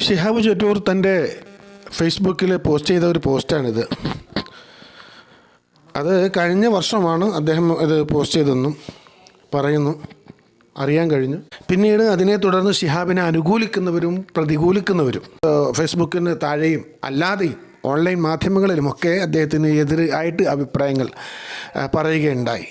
ഷിഹാബ് ചെറ്റൂർ തൻ്റെ ഫേസ്ബുക്കിൽ പോസ്റ്റ് ചെയ്ത ഒരു പോസ്റ്റാണിത്. അത് കഴിഞ്ഞ വർഷമാണ് അദ്ദേഹം ഇത് പോസ്റ്റ് ചെയ്തതെന്നും പറയുന്നു, അറിയാൻ കഴിഞ്ഞു. പിന്നീട് അതിനെ തുടർന്ന് ഷിഹാബിനെ അനുകൂലിക്കുന്നവരും പ്രതികൂലിക്കുന്നവരും ഫേസ്ബുക്കിന് താഴെയും അല്ലാതെയും ഓൺലൈൻ മാധ്യമങ്ങളിലുമൊക്കെ അദ്ദേഹത്തിന് എതിരായിട്ട് അഭിപ്രായങ്ങൾ പറയുകയുണ്ടായി.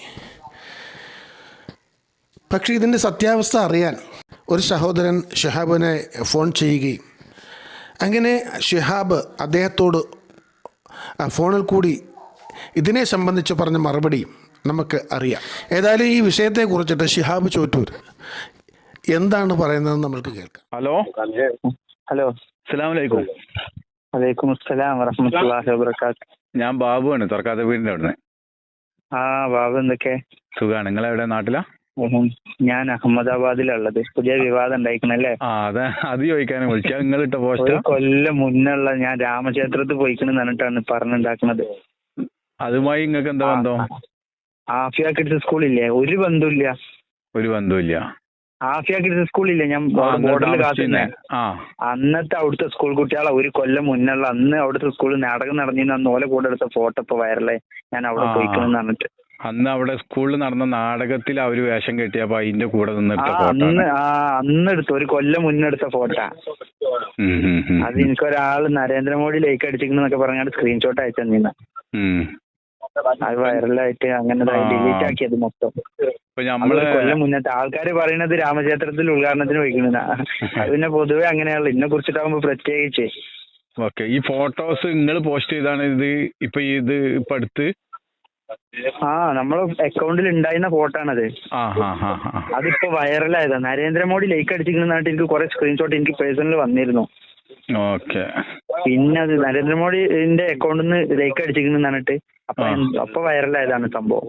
പക്ഷേ ഇതിൻ്റെ സത്യാവസ്ഥ അറിയാൻ ഒരു സഹോദരൻ ഷിഹാബിനെ ഫോൺ ചെയ്യുകയും അങ്ങനെ ഷിഹാബ് അദ്ദേഹത്തോട് ഫോണിൽ കൂടി ഇതിനെ സംബന്ധിച്ച് പറഞ്ഞ മറുപടിയും നമുക്ക് അറിയാം. ഏതായാലും ഈ വിഷയത്തെക്കുറിച്ചിട്ട് ഷിഹാബ് ചോറ്റൂർ എന്താണ് പറയുന്നത് നമ്മൾക്ക് കേൾക്കാം. ഹലോ അസ്സലാമു അലൈക്കും. വലൈക്കും അസ്സലാം വറഹ്മത്തുള്ളാഹി വബറകാത്ത്. ഞാൻ ബാബുവാണ്, തുറക്കാത്ത വീടിന്റെ അവിടുന്ന്. ബാബു, എന്തൊക്കെ സുഖാണ്. നിങ്ങളെവിടെ, നാട്ടിലാ? ഞാൻ അഹമ്മദാബാദിലുള്ളത്. പുതിയ വിവാദം ഉണ്ടായിക്കണല്ലേ? അത് ചോദിക്കാനും വിളിച്ചാ. നിങ്ങളിട്ട പോസ്റ്റ് കൊല്ലം മുന്നുള്ള ഞാൻ രാമക്ഷേത്രത്തിൽ പോയിക്കണെന്ന് പറഞ്ഞിട്ടാണ് പറഞ്ഞുണ്ടാക്കുന്നത്. അതുമായി നിങ്ങൾക്ക് എന്താ ബന്ധം? ആഫിയ കിഡ്സ് സ്കൂളില്ലേ? ഒരു ബന്ധമില്ല. ആഫിയ കിഡ്സ് സ്കൂളില്ലേ, ഞാൻ ബോർഡറിൽ കാത്തുന്നേ. അന്നത്തെ അവിടുത്തെ സ്കൂൾ കുട്ടികളെ ഒരു കൊല്ലം മുന്നുള്ള അന്ന് അവിടുത്തെ സ്കൂളിൽ നാടകം നടന്നിരുന്ന അന്ന് ഓലെ കൂടെ എടുത്ത ഫോട്ടോ ഇപ്പൊ വൈറലായി. ഞാൻ അവിടെ പോയിക്കണെന്ന് പറഞ്ഞിട്ട് അന്ന് അവിടെ സ്കൂളിൽ നടന്ന നാടകത്തിൽ അവര് വേഷം കെട്ടിയപ്പോ അതിന്റെ കൂടെ അന്ന് എടുത്ത ഒരു കൊല്ലം മുന്നെടുത്ത ഫോട്ടോ. അത് എനിക്കൊരാള് നരേന്ദ്രമോദി ലൈക്ക് അടിച്ചിരിക്കുന്നൊക്കെ പറഞ്ഞാൽ സ്ക്രീൻഷോട്ട് അയച്ചു തന്നിരുന്ന. അത് വൈറലായിട്ട് അങ്ങനെ ഡിലീറ്റ് ആക്കിയത് മൊത്തം. കൊല്ലം മുന്നത്തെ ആൾക്കാര് പറയുന്നത് രാമക്ഷേത്രത്തിൽ ഉദ്ഘാടനത്തിന് പോയിക്കുന്ന. അത് പിന്നെ പൊതുവെ അങ്ങനെയാണല്ലോ, ഇതിനെ കുറിച്ചിട്ടാകുമ്പോ പ്രത്യേകിച്ച്. ഓക്കെ, ഈ ഫോട്ടോസ് നിങ്ങൾ പോസ്റ്റ് ചെയ്താണ് ഇത് ഇപ്പൊ അടുത്ത് നമ്മളെ അക്കൗണ്ടിൽ ഉണ്ടായിരുന്ന ഫോട്ടോ ആണത്. അതിപ്പോ വൈറലായതാ. നരേന്ദ്രമോദി ലൈക്ക് അടിച്ചിരിക്കുന്നതായിട്ട് എനിക്ക് കുറെ സ്ക്രീൻഷോട്ട് എനിക്ക് പേഴ്സണൽ വന്നിരുന്നു. പിന്നെ അത് നരേന്ദ്രമോദിന്റെ അക്കൗണ്ടിൽ നിന്ന് ലൈക്ക് അടിച്ചിരിക്കുന്നു പറഞ്ഞിട്ട് അപ്പൊ വൈറലായതാണ് സംഭവം.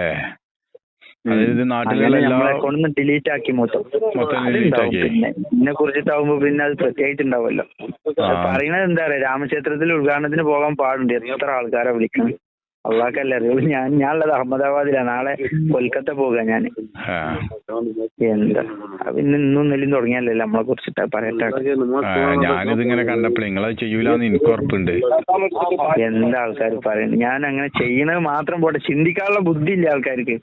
നമ്മളെ അക്കൗണ്ടിൽ നിന്ന് ഡിലീറ്റ് ആക്കി മൊത്തം. പിന്നെ ഇതിനെ കുറിച്ചിട്ടാവുമ്പോ പിന്നെ അത് പ്രത്യേകിച്ചുണ്ടാവുമല്ലോ. പറയുന്നത് എന്താ പറയാ, രാമക്ഷേത്രത്തിൽ ഉദ്ഘാടനത്തിന് പോകാൻ പാടുണ്ട്. എത്ര ആൾക്കാരെ വിളിക്കണം, അള്ളാഹ്ക്കല്ലേ അറിയുള്ളൂ. ഞാനുള്ളത് അഹമ്മദാബാദിലാണ്. നാളെ കൊൽക്കത്ത പോകാ ഞാൻ. എന്താ പിന്നെ ഇന്നും നെല്ലും തുടങ്ങിയല്ലേ നമ്മളെ കുറിച്ചിട്ടാ പറയട്ടെ. ഞാനിതിങ്ങനെ കണ്ടപ്പോൾ നിങ്ങളത് ചെയ്യൂലെന്ന് എനിക്ക് ഉറപ്പുണ്ട്. എന്താ ആൾക്കാർ പറയുന്നത്? ഞാൻ അങ്ങനെ ചെയ്യണത് മാത്രം പോട്ടെ, ചിന്തിക്കാനുള്ള ബുദ്ധി ഇല്ല ആൾക്കാർക്ക്.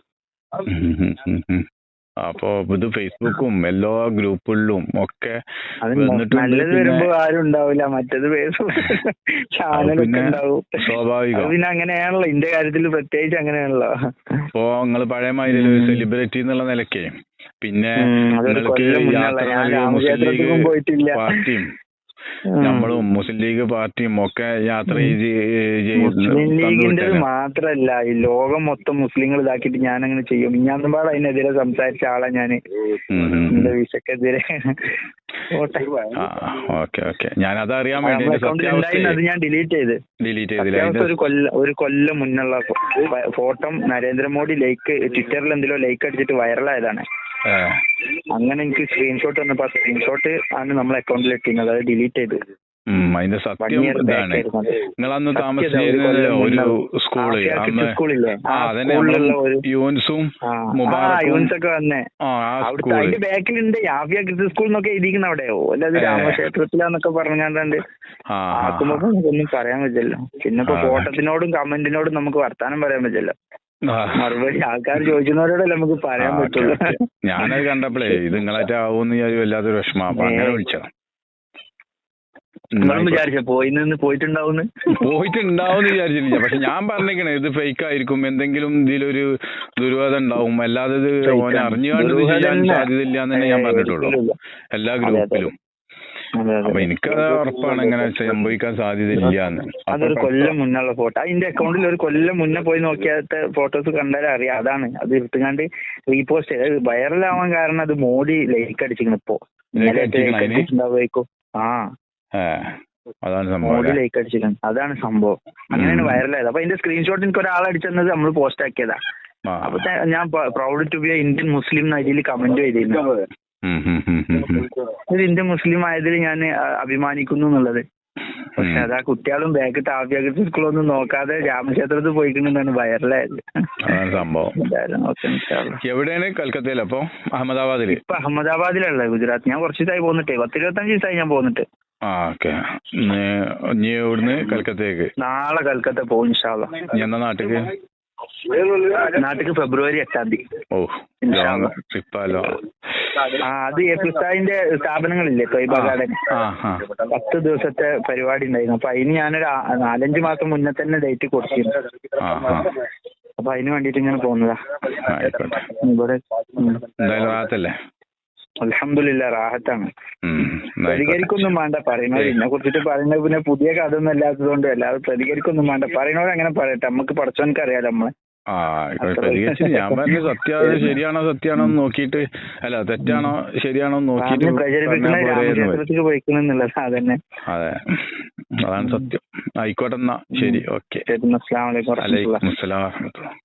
അപ്പൊ ഇത് ഫേസ്ബുക്കും എല്ലാ ഗ്രൂപ്പുകളിലും ഒക്കെ നല്ലത് വരുമ്പോ ആരും ഉണ്ടാവില്ല, മറ്റേത് ചാനലൊക്കെ ഉണ്ടാവും. സ്വാഭാവികം. പിന്നെ അങ്ങനെയാണല്ലോ, ഇന്റെ കാര്യത്തിൽ പ്രത്യേകിച്ച് അങ്ങനെയാണല്ലോ. ഇപ്പൊ നിങ്ങള് പഴയ മാതിരി സെലിബ്രിറ്റി എന്നുള്ള നിലയ്ക്ക് പിന്നെ പാർട്ടിയും നമ്മളും മുസ്ലിം ലീഗ് പാർട്ടിയും ഒക്കെ യാത്ര മുസ്ലിം ലീഗിന്റെ മാത്രല്ല, ഈ ലോകം മൊത്തം മുസ്ലിങ്ങൾ ഇതാക്കിയിട്ട് ഞാൻ അങ്ങനെ ചെയ്യും. ഞാനൊരുപാട് അതിനെതിരെ സംസാരിച്ച ആളാ ഞാന്, എന്റെ വിഷക്കെതിരെ. അത് ഞാൻ ഡിലീറ്റ് ചെയ്ത് ഒരു കൊല്ലം മുന്നുള്ള ഫോട്ടോ നരേന്ദ്രമോദി ലൈക്ക് ട്വിറ്ററിൽ എന്തെല്ലോ ലൈക്ക് അടിച്ചിട്ട് വൈറലായതാണ്. അങ്ങനെ എനിക്ക് സ്ക്രീൻഷോട്ട് വന്നപ്പോ സ്ക്രീൻഷോട്ട് ആണ് നമ്മളെ അക്കൗണ്ടിൽ ഇട്ടിരുന്നത്. അത് ഡിലീറ്റ് ചെയ്തു. അതിന്റെ സത്യം ഇതാണ്. നിങ്ങൾ അന്ന് താമസിച്ചിരുന്നത് ഒരു സ്കൂളില്ലേ, യൂൻസൊക്കെ വന്നേ അവിടുത്തെ അതിന്റെ ബാക്കിലുണ്ട് ആഫിയ കിഡ്സ് സ്കൂൾ എന്നൊക്കെ എഴുതിക്കുന്ന അവിടെയോ അല്ലാതെ രാമക്ഷേത്രത്തിലാന്നൊക്കെ പറഞ്ഞാണ്ട് ആക്കുമ്പോ ഒന്നും പറയാൻ പറ്റില്ല. പിന്നെ ഇപ്പൊ ഫോട്ടോത്തിനോടും കമന്റിനോടും നമുക്ക് വർത്താനം പറയാൻ പറ്റില്ല. മറുപടി ആൾക്കാർ ചോദിക്കുന്നവരോടല്ലേ നമുക്ക് പറയാൻ പറ്റുള്ളൂ. ഞാനത് കണ്ടപ്പോഴേ ഇത് നിങ്ങളായിട്ട് ആവുമെന്ന് വല്ലാത്തൊരു വിഷമം. അപ്പൊ അങ്ങനെ വിളിച്ചത്. വിചാരിച്ച പോയിട്ടുണ്ടാവുന്ന് വിചാരിച്ചില്ല. പക്ഷെ ഞാൻ പറഞ്ഞേക്കണേ ഇത് ഫേക്ക് ആയിരിക്കും, എന്തെങ്കിലും ഇതിലൊരു ദുർവാദം ഉണ്ടാവും, അല്ലാതെ ഇത് ഓനെ അറിഞ്ഞുകൊണ്ട് ചെയ്യാൻ സാധ്യതയില്ല എന്ന് തന്നെ ഞാൻ പറഞ്ഞിട്ടുള്ളൂ എല്ലാ ഗ്രൂപ്പിലും. അപ്പൊ എനിക്കത് ഉറപ്പാണ് ഇങ്ങനെ സംഭവിക്കാൻ സാധ്യതയില്ല എന്ന്. അതൊരു കൊല്ലം മുന്നുള്ള ഫോട്ടോ. അതിന്റെ അക്കൗണ്ടിൽ ഒരു കൊല്ലം മുന്നേ പോയി നോക്കിയാത്ത ഫോട്ടോസ് കണ്ടാലും അറിയാം. അതാണ് അത് എടുത്തുകൊണ്ട് റീപോസ്റ്റ് ചെയ്ത് വൈറലാവാൻ കാരണം അത് മോദി ലൈക്ക് അടിച്ചിരിക്കണം. ഇപ്പൊ ഉണ്ടാവുമായിരിക്കും. അതാണ് സംഭവം. മോഡി ലൈക്ക് അടിച്ചിരിക്കണം, അതാണ് സംഭവം. അങ്ങനെയാണ് വൈറലായത്. അപ്പൊ അതിന്റെ സ്ക്രീൻഷോട്ട് എനിക്ക് ഒരാൾ അടിച്ചത് നമ്മൾ പോസ്റ്റ് ആക്കിയതാ. അപ്പൊ ഞാൻ proud to be a Indian Muslim അതിൽ കമന്റ് ചെയ്തിരുന്നു. ഒരു ഇന്ത്യൻ മുസ്ലിം ആയതിൽ ഞാൻ അഭിമാനിക്കുന്നു എന്നുള്ളത്. പക്ഷെ അതാ കുട്ടികളും ബാക്കിട്ട് ആഫിയ കിഡ്സ് സ്കൂളൊന്നും നോക്കാതെ രാമക്ഷേത്രത്തിൽ പോയിക്കൊണ്ടാണ് വൈറലായത് സംഭവം. എവിടെയാണ്? കൽക്കത്തയിൽ. അപ്പൊ അഹമ്മദാബാദിൽ. ഇപ്പൊ അഹമ്മദാബാദിലുള്ള ഗുജറാത്ത്. ഞാൻ കുറച്ച് ദിവസമായി പോന്നിട്ടേ, 10-25 ദിവസമായി ഞാൻ പോന്നിട്ട്. ആ ഓക്കെ. ഇനി ഇവിടുന്ന് കൽക്കത്തയ്ക്ക് നാളെ കൽക്കത്ത പോകും ഇൻഷാ അള്ളാ. ഇനി എന്നാ നാട്ടിക്ക്? നാട്ടിക്ക് ഫെബ്രുവരി 8-ാം തീയതി. ഓ ഇൻഷാ അള്ളാ. ട്രിപ്പാലോ. അത് എഫ്സായിന്റെ സ്ഥാപനങ്ങളില്ലേ ത്വയ്ബ ഗാർഡൻ, ആ ആ 10 ദിവസത്തെ പരിപാടി ഉണ്ടായിരുന്നു. അപ്പൊ അതിന് ഞാനൊരു 4-5 മാസം മുന്നേ തന്നെ ഡേറ്റ് കൊടുത്തിരുന്നു. ആ ആ അപ്പൊ അതിന് വേണ്ടിട്ട് ഇങ്ങനെ പോകുന്നതാ. ആയിക്കോട്ടെ. ഇവിടെ എന്തായാലും റാഹത്തല്ലേ? അൽഹംദുലില്ലാ റാഹത്താണ്. ആയിക്കോട്ടെ. പ്രതികരിക്കൊന്നും വേണ്ട, പറയുന്നവർ ഇതിനെ കുറിച്ചിട്ട് പറയുന്നത് പിന്നെ പുതിയ കഥ ഒന്നും അല്ലാത്തതുകൊണ്ട് അല്ലാതെ പ്രതികരിക്കൊന്നും വേണ്ട. പറയുന്നവർ അങ്ങനെ പറയട്ടെ, നമുക്ക് പഠിച്ചവനക്ക് അറിയാലോ നമ്മളെ. ആ ആയിക്കോട്ടെ. പ്രതികരിച്ച് ഞാൻ പറഞ്ഞു ശരിയാണോ സത്യാണോ നോക്കിയിട്ട്, അല്ല തെറ്റാണോ ശരിയാണോ നോക്കിയിട്ട് പ്രചരിപ്പിക്കുന്ന രാമക്ഷേത്രത്തിലേക്ക് പോയിക്കുന്നുള്ളത് അതന്നെ. അതെ, അതാണ് സത്യം. ആയിക്കോട്ടെ എന്നാ ശരി, ഓക്കെ. അസ്സലാമു അലൈക്കും വറഹ്മത്തുള്ളാഹി. വലൈക്കും അസ്സലാം വറഹ്മത്തുള്ളാഹി.